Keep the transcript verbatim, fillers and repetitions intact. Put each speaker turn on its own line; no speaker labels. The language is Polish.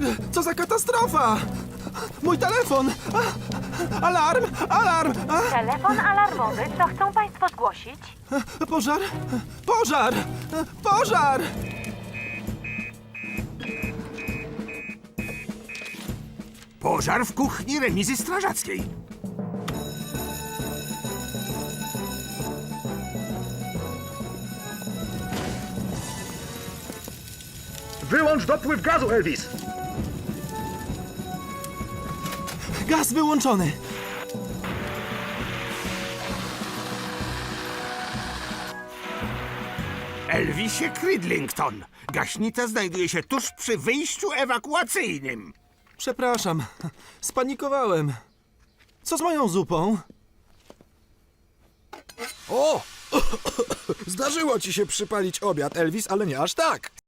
Co za katastrofa! Mój telefon! Alarm! Alarm!
Telefon alarmowy, co chcą Państwo zgłosić?
Pożar! Pożar! Pożar!
Pożar w kuchni remizy strażackiej.
Wyłącz dopływ gazu, Elvis!
Gaz wyłączony!
Elvisie Cridlington. Gaśnica znajduje się tuż przy wyjściu ewakuacyjnym.
Przepraszam, spanikowałem. Co z moją zupą?
O! Zdarzyło ci się przypalić obiad, Elvis, ale nie aż tak.